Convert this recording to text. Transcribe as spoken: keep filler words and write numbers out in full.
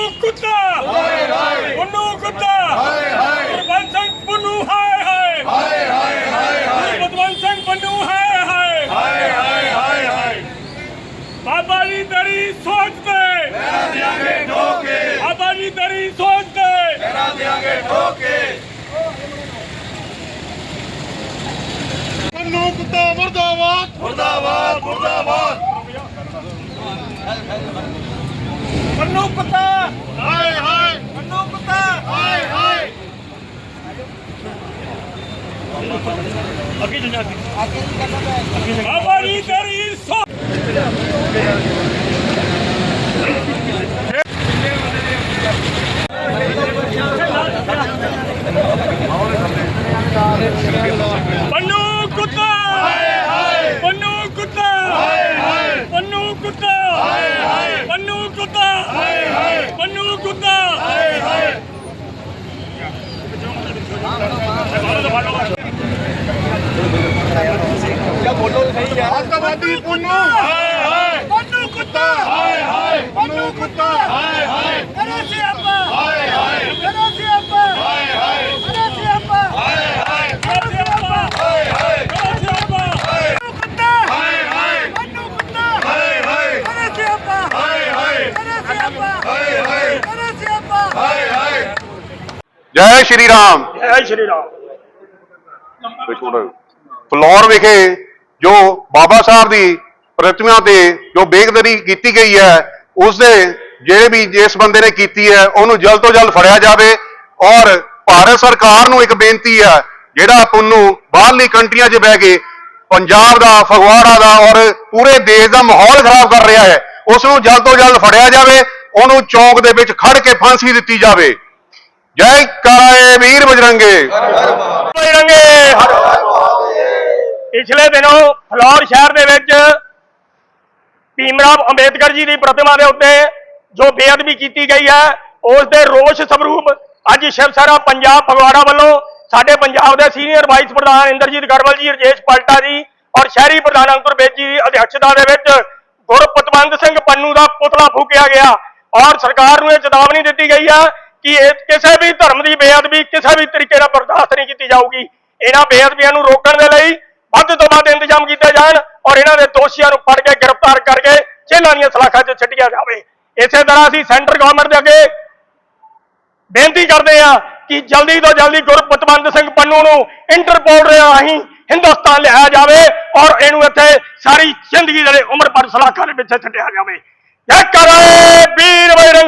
कुत्ता पुन्नू कुत्ता गुरबंश सिंह पुन्नू हाय हाय गुरबंश सिंह पुन्नू हाय हाय बाबा जी तेरी सोच पे बाबा जी तेरी सोच पे पुन्नू कुत्ता मुर्दाबाद मुर्दाबाद मुर्दाबाद पुन्नू कुत्ता हाय हाय पुन्नू कुत्ता हाय हाय बाबा जी तेरी सोच पन्नू कुत्ता पन्नू कुत्ता पन्नू कुत्ता पन्नू कुत्ता पन्नू कुत्ता आतंकवादी पुन्नू पन्नू कुत्ता पुन्नू कुत्ता अरे सियापा हाय हाय अरे सियापा हाय हाय अरे सियापा हाय हाय अरे सियापा हाय हाय अरे सियापा पन्नू कुत्ता हाय हाय पन्नू कुत्ता हाय हाय अरे सियापा हाय हाय अरे सियापा हाय हाय अरे सियापा हाय हाय ਜੈ ਸ਼੍ਰੀ ਰਾਮ। जय श्री राम। ਫਲੋਰ ਵਿਖੇ ਜੋ ਬਾਬਾ ਸਾਹਿਬ ਦੀ ਪ੍ਰਤਿਮਾ ਤੇ ਜੋ ਬੇਕਦਰੀ ਕੀਤੀ ਗਈ ਹੈ, ਉਸ ਦੇ ਜਿਹੜੇ ਵੀ ਜਿਸ ਬੰਦੇ ਨੇ ਕੀਤੀ ਹੈ ਉਹਨੂੰ ਜਲਦ ਤੋਂ ਜਲਦ ਫੜਿਆ ਜਾਵੇ। ਔਰ ਭਾਰਤ ਸਰਕਾਰ ਨੂੰ ਇੱਕ ਬੇਨਤੀ ਹੈ, ਜਿਹੜਾ ਪੁੰਨੂ ਬਾਹਰਲੀ ਕੰਟਰੀਆਂ 'ਚ ਬਹਿ ਕੇ ਪੰਜਾਬ ਦਾ, ਫਗਵਾੜਾ ਦਾ ਔਰ ਪੂਰੇ ਦੇਸ਼ ਦਾ ਮਾਹੌਲ ਖਰਾਬ ਕਰ ਰਿਹਾ ਹੈ, ਉਸ ਨੂੰ ਜਲਦ ਤੋਂ ਜਲਦ ਫੜਿਆ ਜਾਵੇ, ਉਹਨੂੰ ਚੌਂਕ ਦੇ ਵਿੱਚ ਖੜ ਕੇ ਫਾਂਸੀ ਦਿੱਤੀ ਜਾਵੇ। ਜੈ ਕਾਲੇ ਵੀਰ ਬਜਰੰਗੇ ਬਜਰੰਗੇ ਪਿਛਲੇ ਦਿਨੋਂ ਫਲੋਰ ਸ਼ਹਿਰ ਦੇ ਵਿੱਚ ਭੀਮ ਰਾਓ ਅੰਬੇਦਕਰ ਜੀ ਦੀ ਪ੍ਰਤਿਮਾ ਦੇ ਉੱਤੇ ਜੋ ਬੇਅਦਬੀ ਕੀਤੀ ਗਈ ਹੈ, ਉਸ ਦੇ ਰੋਸ ਸਵਰੂਪ ਅੱਜ ਸ਼ਿਵ ਸੈਨਾ ਪੰਜਾਬ ਫਗਵਾੜਾ ਵੱਲੋਂ ਸਾਡੇ ਪੰਜਾਬ ਦੇ ਸੀਨੀਅਰ ਵਾਈਸ ਪ੍ਰਧਾਨ ਇੰਦਰਜੀਤ ਗੜਵਲ ਜੀ, ਰਜੇਸ਼ ਪਲਟਾ ਜੀ ਔਰ ਸ਼ਹਿਰੀ ਪ੍ਰਧਾਨ ਅੰਕੁਰ ਬੇਦੀ ਜੀ ਦੀ ਅਧਿਕਸ਼ਤਾ ਦੇ ਵਿੱਚ ਗੁਰਪਤਵੰਤ ਸਿੰਘ ਪੰਨੂ ਦਾ ਪੁਤਲਾ ਫੂਕਿਆ ਗਿਆ। ਔਰ ਸਰਕਾਰ ਨੂੰ ਇਹ ਚੇਤਾਵਨੀ ਦਿੱਤੀ ਗਈ ਹੈ ਕਿ ਇਹ ਕਿਸੇ ਵੀ ਧਰਮ ਦੀ ਬੇਅਦਬੀ ਕਿਸੇ ਵੀ ਤਰੀਕੇ ਨਾਲ ਬਰਦਾਸ਼ਤ ਨਹੀਂ ਕੀਤੀ ਜਾਊਗੀ। ਇਹਨਾਂ ਬੇਅਦਬੀਆਂ ਨੂੰ ਰੋਕਣ ਦੇ ਲਈ ਵੱਧ ਤੋਂ ਵੱਧ ਇੰਤਜ਼ਾਮ ਕੀਤੇ ਜਾਣ ਔਰ ਇਹਨਾਂ ਦੇ ਦੋਸ਼ੀਆਂ ਨੂੰ ਫੜ ਕੇ ਗ੍ਰਿਫਤਾਰ ਕਰਕੇ ਜੇਲ੍ਹਾਂ ਦੀਆਂ ਸਲਾਖਾਂ 'ਚ ਛੱਡਿਆ ਜਾਵੇ। ਇਸੇ ਤਰ੍ਹਾਂ ਅਸੀਂ ਸੈਂਟਰ ਗਵਰਨਮੈਂਟ ਦੇ ਅੱਗੇ ਬੇਨਤੀ ਕਰਦੇ ਹਾਂ ਕਿ ਜਲਦੀ ਤੋਂ ਜਲਦੀ ਗੁਰਪਤਵੰਤ ਸਿੰਘ ਪੰਨੂ ਨੂੰ ਇੰਟਰਪੋਲ ਰਾਹੀਂ ਹਿੰਦੁਸਤਾਨ ਲਿਆਇਆ ਜਾਵੇ ਔਰ ਇਹਨੂੰ ਇੱਥੇ ਸਾਰੀ ਜ਼ਿੰਦਗੀ ਦੇ ਉਮਰ ਭਰ ਸਲਾਖਾਂ ਦੇ ਵਿੱਚ ਛੱਡਿਆ ਜਾਵੇ। ਜੈ ਕਾਲੇ ਵੀਰ ਬਜਰੰਗੇ।